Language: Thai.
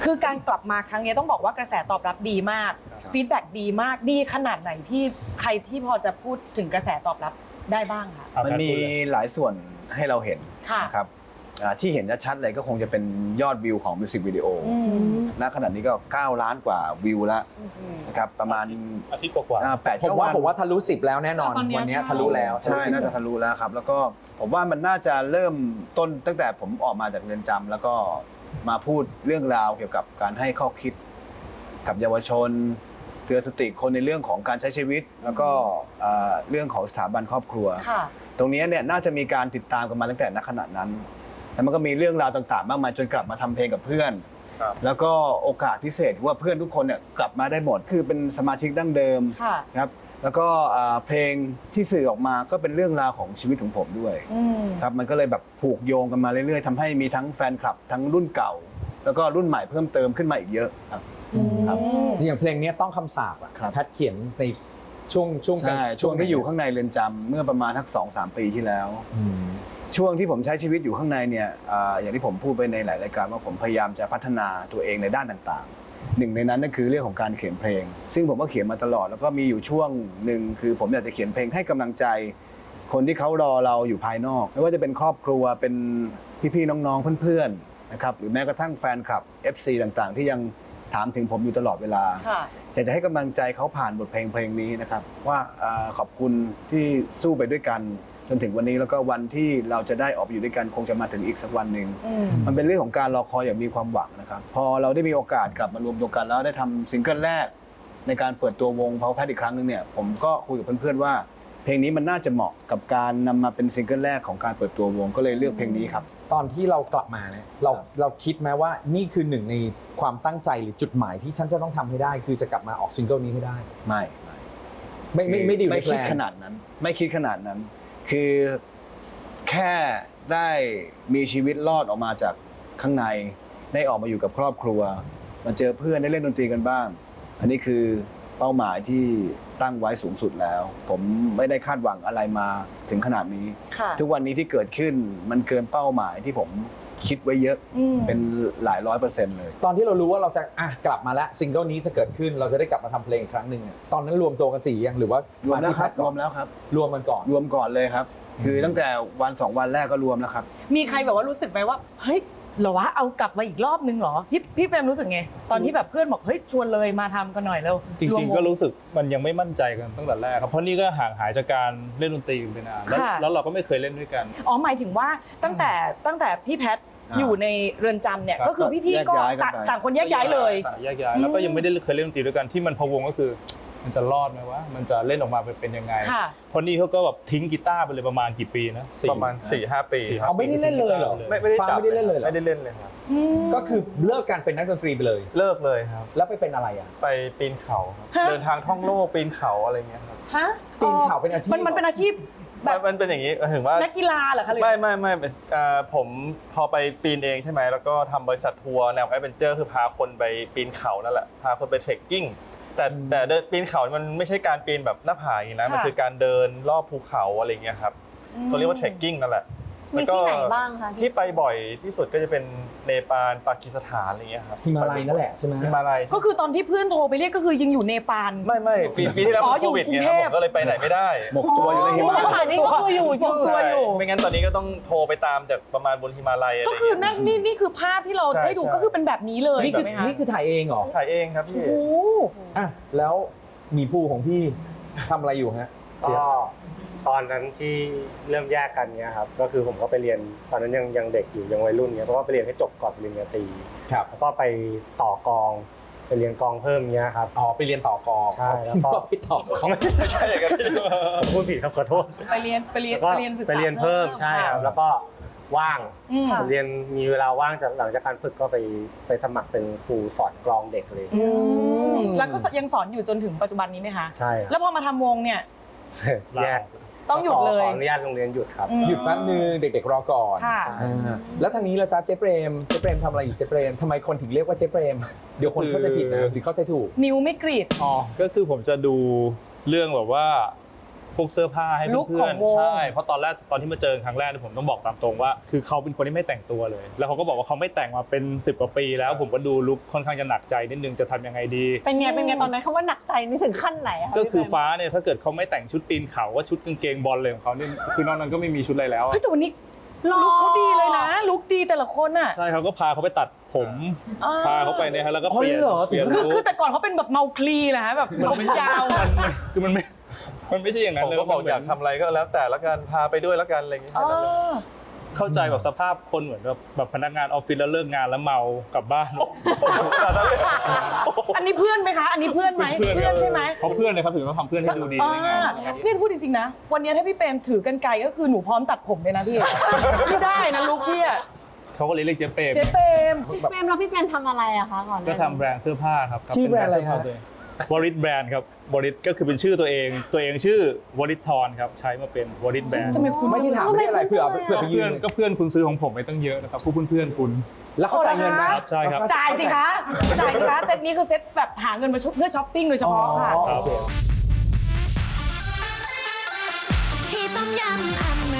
คือการกลับมาครั้งนี้ต้องบอกว่ากระแสตอบรับดีมากฟีดแบ็กดีมากดีขนาดไหนที่ใครที่พอจะพูดถึงกระแสตอบรับได้บ้างคะมันมีหลายส่วนให้เราเห็นค่ะนะครับที่เห็นชัดๆเลยก็คงจะเป็นยอดวิวของมิวสิกวิดีโอณขณะนี้ก็9 ล้านกว่าวิวแล้วนะครับประมาณอาทิตย์กว่า 8 ผมว่าทะลุ10แล้วแน่นอนตอนนี้วันนี้ใช่ทะลุแล้วใช่น่าจะทะลุแล้วครับแล้วก็ผมว่ามันน่าจะเริ่มต้นตั้งแต่ผมออกมาจากเรือนจำแล้วก็มาพูดเรื่องราวเกี่ยวกับการให้ข้อคิดกับเยาวชนเตือนสติคนในเรื่องของการใช้ชีวิต แล้วก็เรื่องของสถาบันครอบครัวค่ะตรงนี้เนี่ยน่าจะมีการติดตามกันมาตั้งแต่ณขณะนั้นแล้วมันก็มีเรื่องราวต่างๆมากมายจนกลับมาทำเพลงกับเพื่อนแล้วก็โอกาสพิเศษว่าเพื่อนทุกคนเนี่ยกลับมาได้หมดคือเป็นสมาชิกดั้งเดิมค่ะครับแล้วก็เพลงที่สื่อออกมาก็เป็นเรื่องราวของชีวิตของผมด้วยครับมันก็เลยแบบผูกโยงกันมาเรื่อยๆทำให้มีทั้งแฟนคลับทั้งรุ่นเก่า แล้วก็รุ่นใหม่เพิ่มเติมขึ้นมาอีกเยอะครับครับนี่อย่างเพลงนี้ต้องคำสาปอ่ะครับแพทเขียนในช่วงใช่ช่วงที่อยู่ข้างในเรือนจำเมื่อประมาณทัก2-3 ปีที่แล้ว ช่วงที่ผมใช้ชีวิตอยู่ข้างในเนี่ยอย่างที่ผมพูดไปในหลายรายการว่าผมพยายามจะพัฒนาตัวเองในด้านต่างๆหนึ่งในนั้นก็คือเรื่องของการเขียนเพลง ซึ่งผมก็เขียนมาตลอดแล้วก็มีอยู่ช่วงหนึ่งคือผมอยากจะเขียนเพลงให้กำลังใจ คนที่เขารอเราอยู่ภายนอกไม่ว่าจะเป็นครอบครัวเป็นพี่ๆน้องๆเพื่อนๆนะครับหรือแม้กระทั่งแฟนคลับ FC ต่างๆ ที่ยังถามถึงผมอยู่ตลอดเวลาค่ะอยากจะให้กำลังใจเขาผ่านบทเพลงนี้นะครับว่าขอบคุณที่สู้ไปด้วยกันจนถึงวันนี้แล้วก็วันที่เราจะได้ออกไปอยู่ด้วยกันคงจะมาถึงอีกสักวันหนึ่งมันเป็นเรื่องของการรอคอยอย่างมีความหวังนะครับพอเราได้มีโอกาสกลับมารวมตัวกันแล้วได้ทำซิงเกิลแรกในการเปิดตัววง Power Pad อีกครั้งนึงเนี่ยผมก็คุยกับเพื่อนๆว่าเพลงนี้มันน่าจะเหมาะกับการนำมาเป็นซิงเกิลแรกของการเปิดตัววงก็เลยเลือกเพลงนี้ครับตอนที่เรากลับมาเนี่ยเราคิดไหมว่านี่คือหนึ่งในความตั้งใจหรือจุดหมายที่ฉันจะต้องทำให้ได้ คือจะกลับมาออกซิงเกิลนี้ให้ได้ไม่ได้อยู่ในแพลนไม่คิดขนาดนั้นไม่คิดขนาดนั้น คือแค่ได้มีชีวิตรอดออกมาจากข้างในได้ออกมาอยู่กับครอบครัวมาเจอเพื่อนได้เล่นดนตรีกันบ้างอันนี้คือเป้าหมายที่ตั้งไว้สูงสุดแล้ว ผมไม่ได้คาดหวังอะไรมาถึงขนาดนี้ค่ะทุกวันนี้ที่เกิดขึ้นมันเกินเป้าหมายที่ผมคิดไว้เยอะเป็นหลาย100%เลยตอนที่เรารู้ว่าเราจะกลับมาแล้วซิงเกิลนี้จะเกิดขึ้นเราจะได้กลับมาทำเพลงอีกครั้งหนึ่งอะตอนนั้นรวมตัวกัน4ยังหรือว่ารวมแล้วที่ครับก่รอวน มแล้วครับรวมกันก่อนรวมก่อนเลยครับ คือตั้งแต่วัน2 วันแรกก็รวมแล้วครับมีใครแบบว่ารู้สึกไหมว่าเฮ้ยเหรอวะเอากลับมาอีกรอบนึงเหรอพี่เปรมรู้สึกไงตอนที่แบบเพื่อนบอกเฮ้ยชวนเลยมาทำกันหน่อยแล้วจริงๆก็รู้สึกมันยังไม่มั่นใจกันตั้งแต่แรกครับเพราะนี่ก็ห่างหายจากการเล่นดนตรีไปนานแล้วเราก็ไม่เคยเล่นด้วยกันอ๋อหมายถึงว่าตั้งแต่พี่แพทอยู่ในเรือนจำเนี่ยครับก็คือพี่ๆก็แยกย้ายกันไปต่างคนแยกย้ายเลยแยกย้ายแล้วก็ยังไม่ได้เคยเล่นดนตรีด้วยกันที่มันพะวงก็คือมันจะรอดไหมวะมันจะเล่นออกมาเป็นยังไงค่ะเพราะนี่เขาก็แบบทิ้งกีตาร์ไปเลยประมาณกี่ปีนะประมาณ 4-5 ปีเอาไม่ได้เล่นเลยเหรอไม่ได้ฟังจับไม่ได้เล่นเลยเหรอไม่ได้เล่นเลยครับก็คือเลิกการเป็นนักดนตรีไปเลยเลิกเลยครับแล้วไปเป็นอะไรอ่ะไปปีนเขาครับฮะเดินทางท่องโลกปีนเขาอะไรเงี้ยครับฮะปีนเขาเป็นอาชีพมันเป็นอาชีพแบบมันเป็นอย่างนี้ถึงว่านักกีฬาเหรอคะหรือไม่ผมพอไปปีนเองใช่ไหมแล้วก็ทำบริษัททัวร์แนวแอดเวนเจอร์คือพาคนไปปีนเขานั่นแหละพาคนไปเทรคกิ้งแต่เดินปีนเขามันไม่ใช่การปีนแบบหน้าผาอย่างนี้นะมันคือการเดินรอบภูเขาอะไรเงี้ยครับเขาเรียกว่าเทรคกิ้งนั่นแหละมีที่ไหนบ้างคะที่ไปบ่อยที่สุดก็จะเป็นเนปาลปากีสถานอะไรเงี้ยครับฮิมาลัยนั่นแหละใช่ไหมฮิมาลัยก็คือตอนที่เพื่อนโทรไปเรียกก็คือยังอยู่เนปาลไม่ปีที่แล้วอ๋อโควิดอยู่ไงกรุงคเทรับพผมก็เลยไปไหนไม่ได้หมกตัวอยู่ในหิมะป่านนี้ก็คืออยู่ตัวใช่อยู่ไม่งั้นตอนนี้ก็ต้องโทรไปตามจากประมาณบนฮิมาลัยอะไรก็คือนั่นนี่คือภาพที่เราใช่ได้ดูใช่ก็คือเป็นแบบนี้เลยนี่คือใช่ไหมคะนี่คือถ่ายเองเหรอถ่ายเองครับพี่โอ้โหอ่ะแล้วมีผู้ของพี่ทำอะไรอยู่ฮะก็ตอนนั้นที่เริ่มแยกกันเนี้ยครับก็คือผมก็ไปเรียนตอนนั้นยังเด็กอยู่ยังวัยรุ่นเนี้ยเพราะว่าไปเรียนให้จบก่อนปริญญาตรีครับแล้วก็ไปต่อกองไปเรียนกองเพิ่มเนี้ยครับอ๋อไปเรียนต่อกอใช่แล้วก็ไปต่อกอไม่ใช่อย่างนั้นพี่ผมพูดผิดครับขอโทษไปเรียนแล้วก็ศึกษาไปเรียนเพิ่มใช่ครับแล้วก็ว่างอืมเรียนมีเวลาว่างจากหลังจากการฝึกก็ไปสมัครเป็นครูสอนกลองเด็กเลยอืมแล้วก็ยังสอนอยู่จนถึงปัจจุบันนี้ไหมคะใช่คแล้รับวพอมาทำวงเนี่ยแยกต้องหยุดเลยขออนุญาตโรงเรียนหยุดครับหยุดแป๊บนึงเด็กๆรอก่อนค่ะแล้วทางนี้ล่ะจ๊ะเจ๊เปรมทำอะไรอยู่เจ๊เปรมทำไมคนถึงเรียกว่าเจ๊เปรมเดี๋ยวคนเข้าใจผิดนะหรือเข้าใจถูกนิ้วไม่กรีดอ๋อก็คือผมจะดูเรื่องแบบว่าพวกเสื้อผ้าให้ลุคเพื่ขออน งวงๆใช่เพราะตอนที่มาเจอครั้งแรกผมต้องบอกตามตรงว่า คือเขาเป็นคนที่ไม่แต่งตัวเลย แล้วเขาก็บอกว่าเขาไม่แต่งมาเป็น10 กว่าปีแล้วผมก็ดูลุคค่อนข้างจะหนักใจนิดนึงจะทำยังไงดีเป็นไงตอนนั้นคำว่าหนักใจนี่ถึงขั้นไหนอะะก็คือพี่เฟรมฟ้าเนี่ยถ้าเกิดเขาไม่แต่งชุดปีนเขาว่าชุดกางเกงบอลเลยของเขาเนี่ยคือนอกนั้นก็ไม่มีชุดอะไรแล้วอะเฮ้ยแต่วันนี้ลุคเขาดีเลยนะลุคดีแต่ละคนอ่ะใช่เขาก็พาเขาไปตัดผมอ่าพาเขาไปเนี่ยฮะแล้วก็อ๋อเปลี่ยนเหรอเปลี่ยนคือลุคคือแต่ก่อนเขาเป็นแบบเมาคลีนะฮะแบบผมยาวคือมันไม่ใช่อย่างนั้ผนมเลยก็บอกอยากทำอะไรก็แล้วแต่ละกันพาไปด้วยละกันอะไรอย่างเงี้ยอ๋อเข้าใจแบบสภาพคนเหมือนแบบพนักงานออฟฟิศแล้วเลิกงานแล้วเมากลับบ้านอันนี้เพื่อนไหมคะ อันนี้เพื่อนไหมเพื่อนใช่ไหมเพราะเพื่อนเลยครับถึงต้องทำเพื่อนให้ดูดีได้ไงพี่พูดจริงๆนะ วันนี้ถ้าพี่เปรมถือกันไกลก็คือหนูพร้อมตัดผมเลยนะพี่ พี่ได้นะลุคพี่อะเขาก็เลยเรียกเจ๊เปรมเจ๊เปรมพี่เฟรมแล้วพี่เฟรมทำอะไรอะคะก่อนหน้าก็นี้ทำแบรนด์เสื้อผ้าครับชื่อแบรนด์อะไรเป็ฮะเสื้ผ้าตัวเองวอริสแบรนด์ครับวอริสก็คือเป็นชื่อตัวเองชื่อวอริสทอนครับใช้มาเป็นวอริสแบรนด์ทำไมคุณไม่ที่ถามไม่ได้อะไรเผื่อไปยืเพื่อนนก็เพื่อนคุณซื้อของผมไปตั้งเยอะนะครับพวกเพื่อนๆคุณแล้วเขาจ่ายเงินไหมครับใช่ครับจ่ายสิคะ จ่ายสิคะ เซตนี้คือเซตแบบหาเงินมาเพื่อช้อปปิ้งโดยเฉพาะค่ะอ๋อโอเคที่ต้มยำอเม